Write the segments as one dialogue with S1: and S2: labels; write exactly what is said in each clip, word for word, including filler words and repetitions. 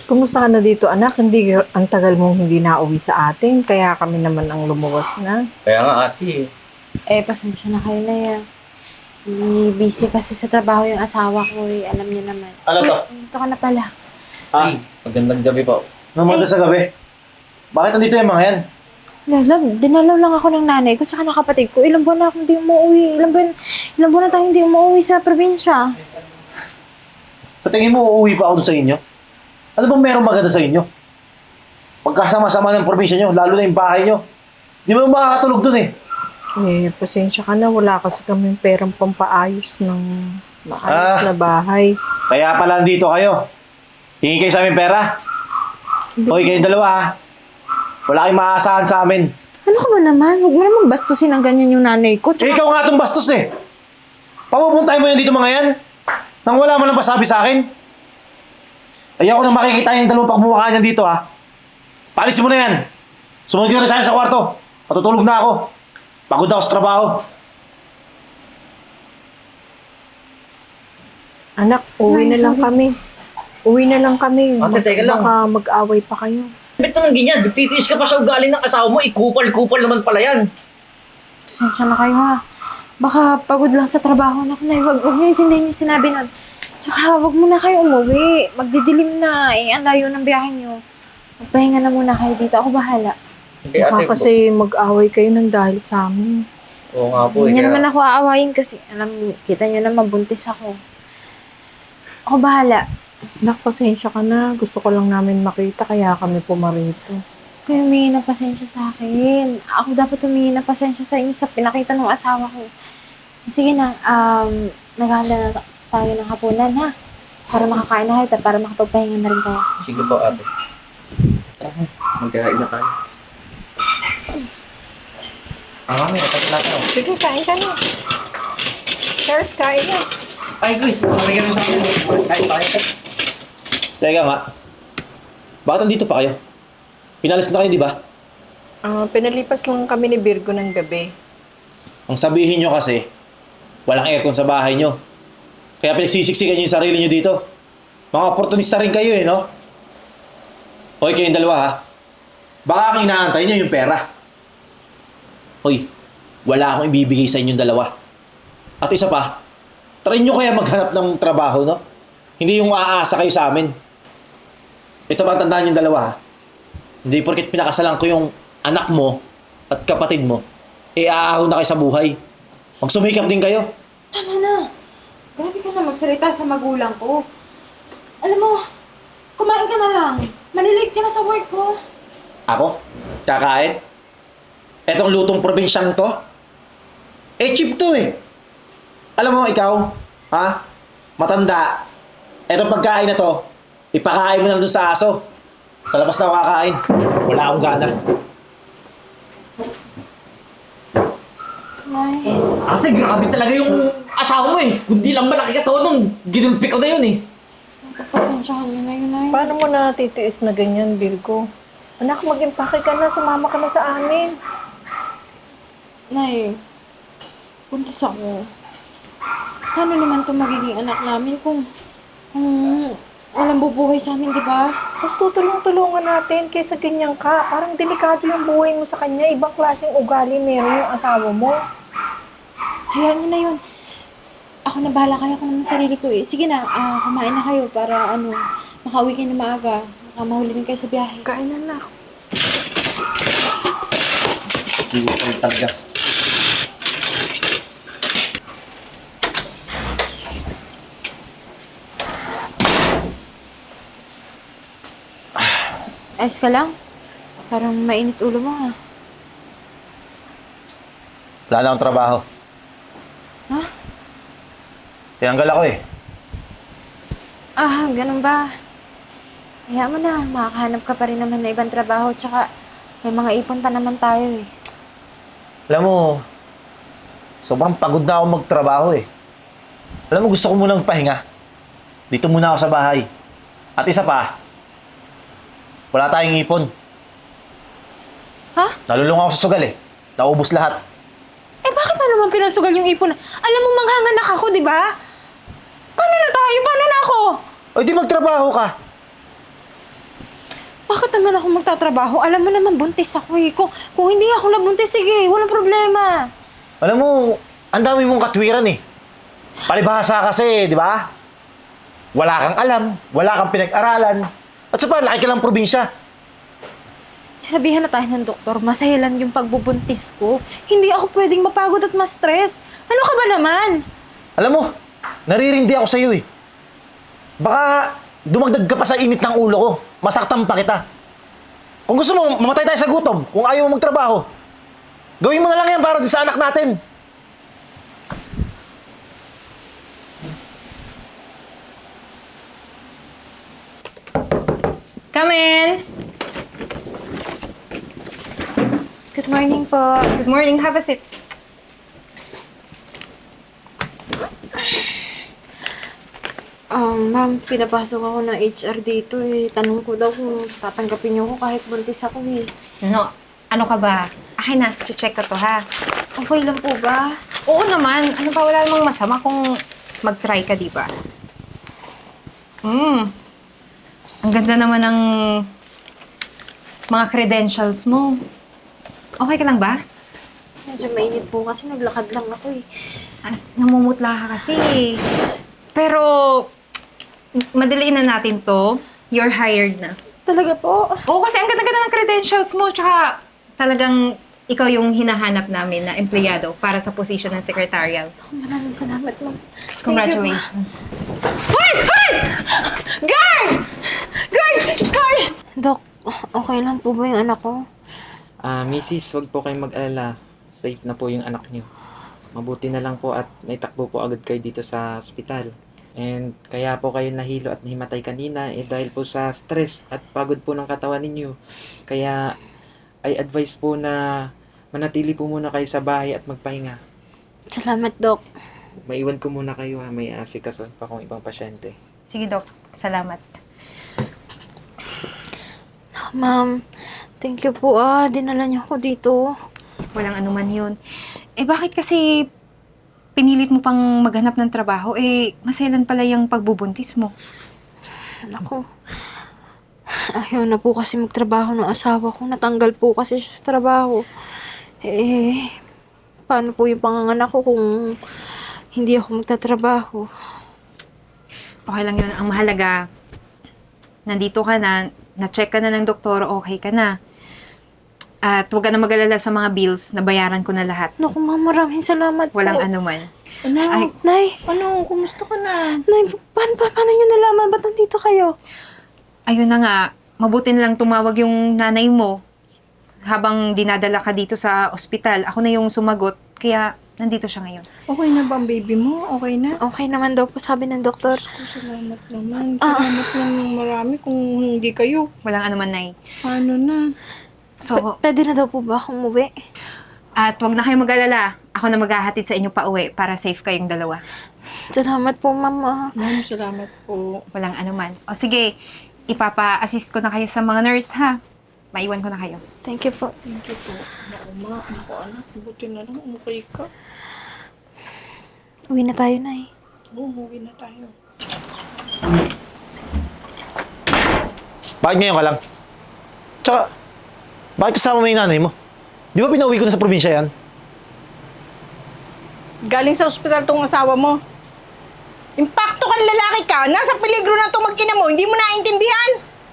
S1: Kumusta ka na dito, anak? Hindi, ang tagal mong hindi nauwi sa atin, kaya kami naman ang lumuwas na.
S2: Kaya nga ate eh.
S3: Eh, pasensya na kayo na yan. Eh, busy kasi sa trabaho yung asawa ko eh. Alam niyo naman.
S4: Ano to?
S3: Dito ka na pala.
S4: Ha?
S2: Ay, magandang gabi po.
S4: Namunta sa gabi. Bakit nandito yung mga yan?
S3: Lala, dinalaw lang ako ng nanay ko tsaka ng kapatid ko. Ilang buwan na akong hindi umuwi. Ilang buwan, ilang buwan na tayo hindi umuwi sa probinsya.
S4: Sa tingin mo, uuwi pa ako dun sa inyo? Ano bang meron maganda sa inyo? Pagkasama-sama ng probinsya nyo, lalo na yung bahay nyo. Di ba makakatulog dun eh?
S1: Eh, pasensya ka na, wala kasi kaming perang pampaayos ng maayos
S4: Ah.
S1: na bahay.
S4: Kaya pala dito kayo. Hingi kayo sa amin pera. Hoy, kayong dalawa ha. Wala kayong maaasahan sa amin.
S3: Ano ka ba naman? Huwag mo namang bastusin ng ganyan yung nanay ko.
S4: Eh,
S3: Tsaka,
S4: ikaw nga itong bastos eh. Papupuntay mo yan dito mga yan? Nang wala mo lang pasabi sa akin? Ayoko nang makikita yung dalawang pagmumukha niyan dito ha. Palisin mo na yan. Sumunod ka na sa akin sa kwarto. Matutulog na ako. Pagod ako sa trabaho.
S1: Anak, uwi
S3: Nay,
S1: na lang
S3: sorry.
S1: kami. Uwi na lang kami.
S2: Ate, teka lang.
S1: Baka mag-away pa kayo.
S2: Ba't naman ganyan? Nagtitiis ka pa sa ugali ng asawa mo, ikupal-kupal naman pala yan.
S3: pasensya na kayo ha. Baka pagod lang sa trabaho na nay. Huwag, huwag niyo intindihin yung sinabi nun. Tsaka huwag muna kayo umuwi. Magdidilim na. Eh, ang layo ng biyahe niyo. Magpahinga na muna kayo dito. Ako bahala.
S2: Hindi
S1: Baka
S2: ate,
S1: kasi mag-away kayo ng dahil sa amin.
S2: oo nga po.
S3: Hindi
S2: eh,
S3: niyo
S2: kaya-
S3: naman ako aawayin kasi alam, kita niyo naman buntis ako. Ako bahala.
S1: Anak, pasensya ka na. Gusto ko lang namin makita, kaya kami pumarito.
S3: Kayo humingi ng pasensya sa akin. Ako dapat humingi ng pasensya sa inyo sa pinakita ng asawa ko. Sige na, um, naghahanda na ta- tayo ng hapunan ha. Para makakain na kayo at para makapagpahinga na rin kayo.
S2: Sige po ate. Tara, magkain na tayo. Ah, mami, natagal natin ako.
S1: Sige, kain ka na. Cheers, kain na.
S2: Ay, guys, magkain na sa akin. Kain tayo.
S4: Teka nga. Bakit nandito pa kayo? Pinalis na kayo, di ba?
S1: Ah, pinalipas lang kami ni Virgo ng gabi.
S4: Ang sabihin nyo kasi, walang aircon sa bahay nyo. Kaya pinagsisiksikan nyo yung sarili nyo dito. Mga oportunista rin kayo eh, no? Hoy, kayong dalawa ha. Baka ang inaantay nyo yung pera. Hoy, wala akong ibibigay sa inyong dalawa. At isa pa, try nyo kaya maghanap ng trabaho, no? Hindi yung aasa kayo sa amin. Ito pa, tandaan yung dalawa ha. Hindi porket pinakasalan ko yung anak mo at kapatid mo, eh aahon na kayo sa buhay. Magsumikap din kayo.
S3: Tama na. Grabe ka na magsalita sa magulang ko. Alam mo, kumain ka na lang. Malilate ka na sa work ko.
S4: Ako? Kakain? Etong lutong probinsyang to? Eh, cheap to eh. Alam mo, ikaw, ha? Matanda. Etong pagkain na to, ipakain mo na dun sa aso. Sa labas na ako kakain. Wala akong gana.
S3: Nay,
S2: Ate, grabe talaga yung asawa mo eh. Kundi lang malaki ka to nung ginulpi ko na yun eh.
S3: pasensyahan niyo na yun, Nay.
S1: Paano mo na titiis na ganyan, Virgo? Anak, mag-impake ka na. Sumama ka na sa amin.
S3: Nay, buntis ako. Paano naman to magiging anak namin kung kung walang bubuhay sa amin, di ba?
S1: Mas tutulong-tulungan natin kaysa ganyan ka. Parang delikado yung buhay mo sa kanya. Ibang klaseng ugali meron yung asawa mo.
S3: Hayaan mo na yun. Ako na bahala kaya ko naman sa sarili ko eh. Sige na, ah, kumain na kayo para ano, makauwi kayo na maaga. Baka mahuli rin kayo sa biyahe.
S1: Kain na na.
S2: Hindi ko talaga.
S3: Ayos ka lang? Parang mainit ulo mo ha.
S4: Wala na akong trabaho.
S3: Ha?
S4: Tinanggal ako eh.
S3: Ah, ganun ba? Kaya mo na, makakahanap ka pa rin naman na ibang trabaho. Tsaka, may mga ipon pa naman tayo eh.
S4: Alam mo, sobrang pagod na ako magtrabaho eh. Alam mo, gusto ko munang pahinga. Dito muna ako sa bahay. At isa pa, wala tayong ipon.
S3: Ha?
S4: Nalulung ako sa sugal eh. Naubos lahat.
S3: Eh, bakit pa naman pinasugal yung ipon? Alam mo, manghanganak ako, di ba? Paano na tayo? Paano na ako?
S4: O di magtrabaho ka.
S3: Bakit naman ako magtatrabaho? Alam mo naman, buntis ako eh. Kung, kung hindi ako nabuntis, sige, walang problema.
S4: Alam mo, ang dami mong katwiran eh. Palibhasa kasi, di ba? Wala kang alam, wala kang pinag-aralan. At sa pa, laki ka lang probinsya.
S3: Sinabihan na tayo ng doktor, masahilan yung pagbubuntis ko. Hindi ako pwedeng mapagod at ma-stress. Ano ka ba naman?
S4: Alam mo, naririndi ako sa'yo eh. Baka dumagdag ka pa sa init ng ulo ko. Masaktan pa kita. Kung gusto mo, mamatay tayo sa gutom. Kung ayaw mo magtrabaho. Gawin mo na lang yan para sa anak natin.
S3: Come in! Good morning po. Good morning. Have a seat. Um, ma'am, pinapasok ako ng H R dito eh. Tanong ko daw kung tatanggapin niyo ako kahit buntis ako eh.
S5: No, ano ka ba? Akin na, check ko to ha.
S3: Okay lang po ba?
S5: Oo naman, ano ba, wala namang masama kung mag-try ka, di ba? Hmm, ang ganda naman ng mga credentials mo. Okay ka lang ba?
S3: Medyo mainit po kasi naglakad lang ako eh.
S5: Ah, namumutla ka kasi. Pero, madaliin na natin to. You're hired na.
S3: Talaga po?
S5: Oo, kasi ang ganda-ganda ng credentials mo. Tsaka, talagang ikaw yung hinahanap namin na empleyado para sa position ng secretarial.
S3: Maraming salamat, ma'am.
S5: Congratulations. Hoy! Hoy! Guard! Guard! Guard!
S3: Dok, okay lang po ba yung anak ko?
S6: Ah, Missus, wag po kayong mag-alala. Safe na po yung anak niyo. Mabuti na lang po at naitakbo po agad kayo dito sa ospital. And kaya po kayo nahilo at nahimatay kanina eh dahil po sa stress at pagod po ng katawan ninyo. Kaya I advise po na manatili po muna kayo sa bahay at magpahinga.
S3: Salamat, Dok.
S6: Maiwan ko muna kayo ha, may asikaso pa kong ibang pasyente.
S5: Sige, Doc. Salamat.
S3: Ma'am, thank you po ah. Dinala niyo ako dito.
S5: Walang anuman yun. Eh, bakit kasi pinilit mo pang maghanap ng trabaho? Eh, maselan pala yung pagbubuntis mo.
S3: Naku. Ayaw na po kasi magtrabaho ng asawa ko. Natanggal po kasi siya sa trabaho. Eh, paano po yung panganganak ko kung hindi ako magtatrabaho?
S5: Okay lang yun. Ang mahalaga, nandito ka na, na-check ka na ng doktor, okay ka na. At huwag ka na mag-alala sa mga bills, nabayaran ko na lahat.
S3: Naku, ma'am, maraming salamat
S5: Walang
S3: po.
S5: anuman.
S1: Ano?
S5: Ay,
S3: Nay,
S1: Ano? Kumusta ka na?
S3: Nay, paano, pa, paano niyo nalaman? Ba't nandito kayo?
S5: ayun na nga, mabuti na lang tumawag yung nanay mo habang dinadala ka dito sa ospital. Ako na yung sumagot, kaya nandito siya ngayon.
S1: Okay na ba ang baby mo? Okay na?
S3: Okay naman daw po, sabi ng doktor.
S1: Salamat naman. Salamat ng marami kung hindi kayo.
S5: Walang anuman, Nay.
S1: Paano na?
S5: So,
S3: P- pwede na daw po ba akong umuwi?
S5: at wag na kayong mag-alala. Ako na maghahatid sa inyo pa uwi para safe kayong dalawa.
S3: Salamat po, mama.
S1: Ma'am, salamat po.
S5: Walang anuman. O sige, ipapa-assist ko na kayo sa mga nurse, ha? Maiwan ko na kayo.
S3: Thank you po.
S1: Thank you po. Naku, ma. Naku, anak. Buti na lang. Okay ka.
S3: Uwi na tayo, Nay.
S1: Oo, uwi na tayo.
S4: Bakit ngayon ka lang? Tsaka, bakit kasama mo yung nanay mo? Di ba pinauwi ko na sa probinsya yan?
S1: Galing sa ospital tong asawa mo. Impacto kang lalaki ka. Nasa peligro na itong mag-ina mo. Hindi mo naintindihan.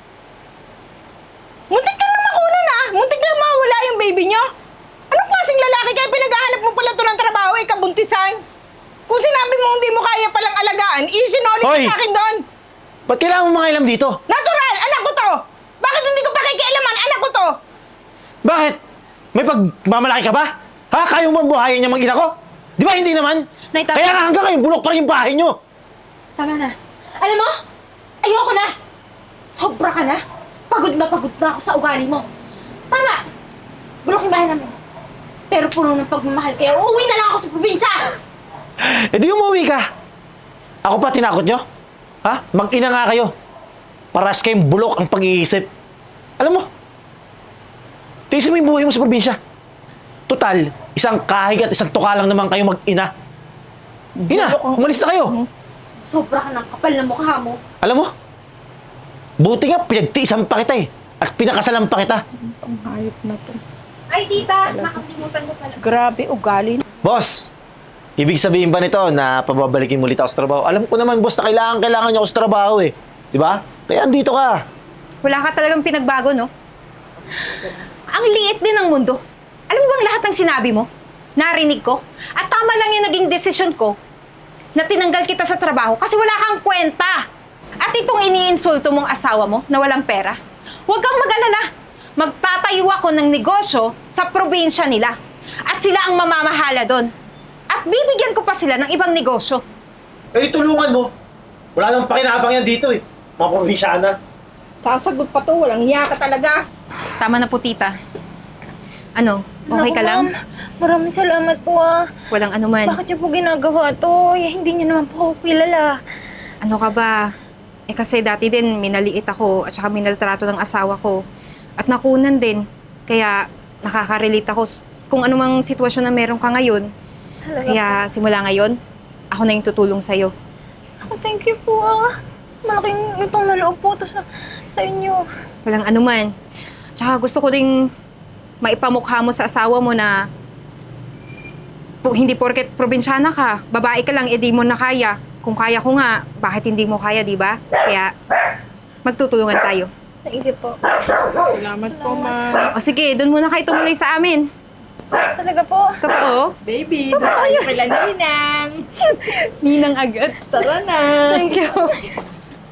S1: Muntik ka na makunan ah. Muntik na mawala yung baby nyo. Anong klaseng lalaki kaya pinaghahanap mo pala ito ng trabaho, eh, kabuntisan? Kung sinabi mo hindi mo kaya palang alagaan, isinoli
S4: Hoy!
S1: ka sa akin doon.
S4: Ba't kailangan mo mangailam dito?
S1: Natural! Anak ko to! Bakit hindi ko pakikialaman? Anak ko to!
S4: Bakit? May pagmamalaki ka ba? Ha? Kaya mo buhayin niya mag-ina ko? Di ba hindi naman?
S3: Nay, tama.
S4: Kaya nga hanggang ngayon, bulok pa rin yung bahay niyo.
S3: Tama na. Alam mo, ayoko na. Sobra ka na. Pagod na pagod na ako sa ugali mo. Tama. Bulok yung bahay namin. Pero puno ng pagmamahal kaya uuwi na lang ako sa probinsya.
S4: Eh di umuwi ka. Ako pa tinakot nyo? Ha? Mag-ina nga kayo. Paras kayong bulok ang pag-iisip. Alam mo, tiisin mo yung buhay mo sa probinsya. Total, isang kahig at isang tuka lang naman kayo mag-ina. Ina, umalis na kayo.
S3: Sobra ka ng kapal na mukha mo.
S4: Alam mo, buti nga pinagtiisan pa kita eh. At pinakasalan pa kita.
S1: Ang hayop na to.
S5: Ay, tita, nakalimutan ko pala.
S1: Grabe, ugali.
S4: Boss, ibig sabihin ba nito na pababalikin mo ulit ako sa trabaho? Alam ko naman, boss, na kailangan, kailangan niya ako sa trabaho eh. Di ba? Kaya andito ka.
S5: Wala ka talagang pinagbago, no? Ang liit din ng mundo. Alam mo bang lahat ng sinabi mo? Narinig ko? At tama lang yung naging desisyon ko na tinanggal kita sa trabaho kasi wala kang kwenta. At itong iniinsulto mong asawa mo na walang pera, huwag kang mag-alala. Magtatayo ako ng negosyo sa probinsya nila. At sila ang mamamahala doon. At bibigyan ko pa sila ng ibang negosyo.
S4: Eh, tulungan mo. Wala nang pakinabang yan dito eh. Mga probinsyana.
S1: Sasagot pa to, walang hiya ka talaga.
S5: Tama na po, tita. Ano? Okay
S3: Naku,
S5: ka lang?
S3: ma'am. Maraming salamat po ah.
S5: Walang anuman.
S3: Bakit niyo po ginagawa to? Eh, hindi niyo naman po ako kilala.
S5: Ano ka ba? Eh kasi dati din minaliit ako at saka minaltrato ng asawa ko. At nakunan din. Kaya nakaka-relate ako s- kung anumang sitwasyon na meron ka ngayon.
S3: Talaga
S5: Kaya simula ngayon, ako na yung tutulong sa'yo.
S3: Ako, thank you po ah. Malaking utang na loob po to sa, sa inyo.
S5: Walang anuman. Tsaka gusto ko ding maipamukha mo sa asawa mo na po, hindi porket probinsyana ka, babae ka lang, edi mo na kaya. Kung kaya ko nga, bakit hindi mo kaya, di ba? Kaya magtutulungan tayo.
S3: Thank you po.
S1: Salamat po, ma'am.
S5: O sige, doon muna kayo tumuloy sa amin.
S3: Talaga po.
S5: Totoo?
S1: Baby, doon tayo kila Ninang.
S5: Ninang agad.
S1: Tara na.
S3: Thank you.